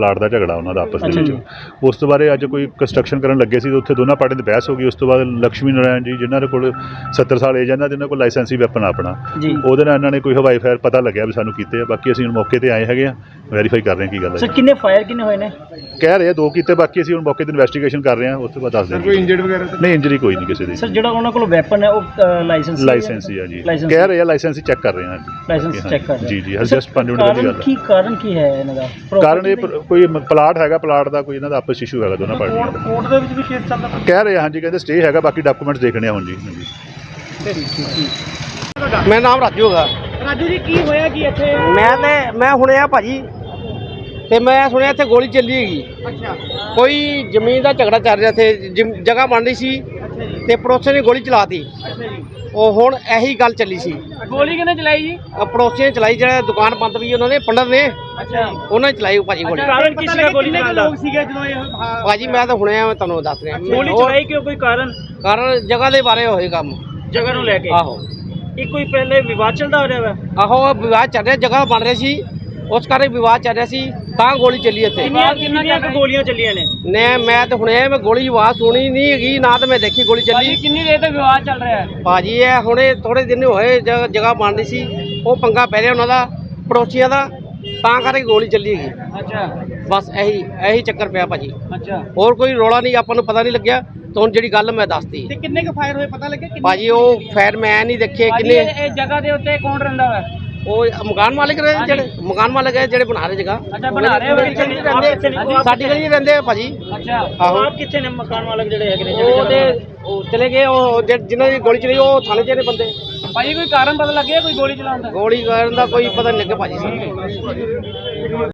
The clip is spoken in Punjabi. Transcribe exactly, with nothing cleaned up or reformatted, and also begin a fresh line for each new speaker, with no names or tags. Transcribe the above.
ਪਲਾਟ ਦਾ ਝਗੜਾ ਉਹਨਾਂ ਦਾ ਆਪਸ ਦੇ ਵਿੱਚ। ਉਸ ਤੋਂ ਬਾਅਦ ਅੱਜ ਕੋਈ ਕੰਸਟਰਕਸ਼ਨ ਕਰਨ ਲੱਗੇ ਸੀ, ਉੱਥੇ ਦੋਨਾਂ ਪਾਰਟੀਆਂ ਦੀ ਬਹਿਸ ਹੋ ਗਈ। ਉਸ ਤੋਂ ਬਾਅਦ ਲక్ష్ਮੀ ਨਾਰਾਇਣ ਜੀ ਜਿਨ੍ਹਾਂ ਦੇ ਕੋਲ ਸੱਤਰ ਸਾਲ ਏਜ ਇਹਨਾਂ ਦੇ ਇਹਨਾਂ ਕੋਲ ਲਾਇਸੈਂਸੀ ਵੈਪਨ ਆਪਣਾ, ਉਹਦੇ ਨਾਲ ਇਹਨਾਂ ਨੇ ਕੋਈ ਹਵਾਈ ਫਾਇਰ ਪਤਾ ਲੱਗਿਆ ਵੀ ਸਾਨੂੰ ਕੀਤੇ ਆ। ਬਾਕੀ ਅਸੀਂ ਹੁਣ ਮੌਕੇ ਤੇ ਆਏ ਹੈਗੇ ਆ, ਵੈਰੀਫਾਈ ਕਰ ਰਹੇ ਹਾਂ ਕੀ ਗੱਲ ਹੈ।
ਸਰ ਕਿੰਨੇ ਫਾਇਰ ਕਿੰਨੇ ਹੋਏ ਨੇ?
ਕਹਿ ਰਹੇ ਆ ਦੋ ਕੀਤੇ, ਬਾਕੀ ਅਸੀਂ ਹੁਣ ਮੌਕੇ ਤੇ ਇਨਵੈਸਟੀਗੇਸ਼ਨ ਕਰ ਰਹੇ ਹਾਂ, ਉਸ ਤੋਂ ਬਾਅਦ ਦੱਸ ਦਿਆਂਗੇ।
ਕੋਈ ਇੰਜਰਡ ਵਗੈਰਾ
ਨਹੀਂ, ਇੰਜਰੀ ਕੋਈ ਨਹੀਂ ਕਿਸੇ ਦੀ।
ਸਰ ਜਿਹੜਾ ਉਹਨਾਂ ਕੋਲ ਵੈਪਨ ਹੈ ਉਹ ਲਾਇਸੈਂਸ
ਲਾਇਸੈਂਸ ਹੀ ਆ ਜੀ, ਕਹਿ ਰਹੇ ਆ ਲਾਇਸੈਂਸ ਹੀ ਚੈੱਕ ਕਰ ਰਹੇ ਹਾਂ
ਲਾਇਸੈਂਸ ਚੈੱਕ ਕਰ ਰਹੇ
ਜੀ ਜੀ ਜਸਟ ਪੰਜ ਮਿੰਟ ਦੀ ਗੱਲ ਹੈ।
ਕੀ ਕਾਰਨ ਕੀ ਹੈ ਇਹਨਾਂ ਦਾ?
ਕਾਰਨ ਇਹ ਪ- ਕੋਈ ਮ- ਪਲਾਟ ਹੈਗਾ, ਪਲਾਟ ਦਾ ਕੋਈ ਇਹਨਾਂ ਦਾ ਆਪਸ ਇਸ਼ੂ ਹੈਗਾ ਦੋਨਾਂ ਪਾਰਟੀਆਂ ਦਾ।
ਕੋਰਟ ਦੇ ਵਿੱਚ ਵੀ ਕੇਸ ਚੱਲਦਾ
ਕਹਿ ਰਹੇ ਆ ਹਾਂਜੀ, ਕਹਿੰਦੇ ਸਟੇ ਹੈਗਾ, ਬਾਕੀ ਡਾਕੂਮੈਂਟਸ ਦੇਖਣੇ ਆ ਹੁਣ ਜੀ। ਹਾਂਜੀ
ਮੇਰਾ ਨਾਮ ਰਾਜੂ ਹੈਗਾ।
ਰਾਜੂ ਜੀ ਕੀ ਹੋਇਆ ਕੀ ਇੱਥੇ?
ਮੈਂ ਤੇ ਮੈਂ ਹੁਣੇ ਆ ਭਾਜੀ, ਤੇ ਮੈਂ ਸੁਣਿਆ ਇੱਥੇ ਗੋਲੀ ਚੱਲੀ ਹੈਗੀ।
ਅੱਛਾ
ਕੋਈ ਜ਼ਮੀਨ ਦਾ ਝਗੜਾ ਚੱਲ ਰਿਹਾ, ਇੱਥੇ ਜ਼ਮ- ਜਗ੍ਹਾ ਬਣ ਰਹੀ ਸੀ
ਅੱਛਾ ਜੀ
ਤੇ ਪੜੋਸੀਆਂ ਨੇ ਗੋਲੀ ਚਲਾਤੀ।
ਅੱਛਾ ਜੀ
ਉਹ ਹੁਣ ਇਹੀ ਗੱਲ ਚੱਲੀ ਸੀ।
ਗੋਲੀ ਕਿਹਨੇ ਚਲਾਈ ਜੀ?
ਅਹ ਪੜੋਸੀਆਂ ਨੇ ਚਲਾਈ, ਜਿਹੜਾ ਦੁਕਾਨ ਬੰਦ ਵੀ ਉਹਨਾਂ ਨੇ ਪੰਡਤ ਨੇ,
ਅੱਛਾ
ਉਹਨਾਂ ਨੇ ਚਲਾਈ ਭਾਜੀ ਗੋਲੀ।
ਕਾਰਨ ਕੀ ਸੀਗਾ ਗੋਲੀ ਚਲਾਉਣ ਦਾ? ਲੋਕ ਸੀਗੇ ਜਦੋਂ ਇਹ
ਭਾਜੀ ਮੈਂ ਤਾਂ ਹੁਣੇ ਆ, ਮੈਂ ਤੁਹਾਨੂੰ ਦੱਸ ਰਿਹਾ।
ਗੋਲੀ
ਹੋਰ
ਚਲਾਈ ਕਿਉਂ? ਕੋਈ ਕਾਰਨ?
ਕਾਰਨ ਜਗ੍ਹਾ ਦੇ ਬਾਰੇ ਹੋਏ ਕੰਮ।
ਜਗ੍ਹਾ ਨੂੰ ਲੈ ਕੇ?
ਆਹੋ
ਇਹ ਕੋਈ ਪਹਿਲੇ ਵਿਵਾਦ ਚੱਲਦਾ ਹੋ ਰਿਹਾ ਵਾ?
ਆਹੋ ਵਿਵਾਦ ਚੱਲ ਰਿਹਾ, ਜਗ੍ਹਾ ਬਣ ਰਹੀ ਸੀ, ਉਸ ਕਰਕੇ ਵਿਵਾਦ ਚੱਲ ਰਿਹਾ ਸੀ, ਤਾਂ ਗੋਲੀ ਚੱਲੀ ਇੱਥੇ।
ਕਿੰਨੀਆਂ ਕਿੰਨੀਆਂ ਕੁ ਗੋਲੀਆਂ ਚੱਲੀਆਂ ਨੇ?
ਨੇ ਮੈਂ ਤਾਂ ਹੁਣੇ ਮੈਂ ਗੋਲੀ ਦੀ ਆਵਾਜ਼ ਸੁਣੀ ਨਹੀਂ ਹੈਗੀ, ਨਾ ਤਾਂ ਮੈਂ ਦੇਖੀ ਗੋਲੀ ਚੱਲੀ।
ਕਿੰਨੀ ਦੇਰ ਤੱਕ ਵਿਵਾਦ ਚੱਲ ਰਿਹਾ ਹੈ?
ਭਾਜੀ ਇਹ ਹੁਣੇ ਥੋੜੇ ਦਿਨ ਹੋਏ, ਜ- ਜਗ੍ਹਾ ਬਣ ਰਹੀ ਸੀ, ਉਹ ਪੰਗਾ ਪੈ ਰਿਹਾ ਉਹਨਾਂ ਦਾ ਪੜੋਸੀਆਂ ਦਾ, ਤਾਂ ਕਰਕੇ ਗੋਲੀ ਚੱਲੀ ਹੈਗੀ।
ਅੱਛਾ
ਬਸ ਇਹੀ ਇਹੀ ਚੱਕਰ ਪਿਆ ਭਾਜੀ,
ਅੱਛਾ।
ਹੋਰ ਕੋਈ ਰੌਲਾ ਨਹੀਂ, ਆਪਾਂ ਨੂੰ ਪਤਾ ਨਹੀਂ ਲੱਗਿਆ। ਤਾਂ ਹੁਣ ਜਿਹੜੀ ਗੱਲ ਮੈਂ ਦੱਸਤੀ
ਤੇ ਕਿੰਨੇ ਕੁ ਫਾਇਰ ਹੋਏ ਪਤਾ ਲੱਗਿਆ?
ਭਾਜੀ, ਉਹ ਫਾਇਰ ਮੈਂ ਨਹੀਂ ਦੇਖੇ ਕਿੰਨੇ।
ਇਹ ਜਗ੍ਹਾ ਦੇ ਉੱਤੇ ਕੌਣ ਰਹਿੰਦਾ ਵਾ?
ਉਹ ਮਕਾਨ ਮਾਲਕ ਰਹੇ, ਜਿਹੜੇ ਮਕਾਨ ਮਾਲਕ ਹੈ, ਜਿਹੜੇ ਬਣਾ ਰਹੇ ਜਗ੍ਹਾ।
ਅੱਛਾ ਬਣਾ ਰਹੇ ਹੋ?
ਰਹਿੰਦੇ ਸਾਡੀ ਗਲੀ 'ਚ ਰਹਿੰਦੇ ਆ ਭਾਜੀ।
ਅੱਛਾ
ਆਹੋ।
ਆਪ ਕਿੱਥੇ ਨੇ ਮਕਾਨ ਮਾਲਕ ਜਿਹੜੇ ਹੈਗੇ ਨੇ?
ਉਹ ਤੇ ਉਹ ਚਲੇ ਗਏ, ਉਹ ਜਿ- ਜਿਨ੍ਹਾਂ ਦੀ ਗੋਲੀ ਚਲੀ ਉਹ ਥਾਣੇ 'ਚ ਨੇ ਬੰਦੇ।
ਭਾਈ ਕੋਈ ਕਾਰਨ ਪਤਾ ਲੱਗਿਆ ਕੋਈ ਗੋਲੀ ਚਲਾਉਣ ਦਾ?
ਗੋਲੀ ਕਰਨ ਦਾ ਕੋਈ ਪਤਾ ਨਹੀਂ ਲੱਗਿਆ ਭਾਜੀ।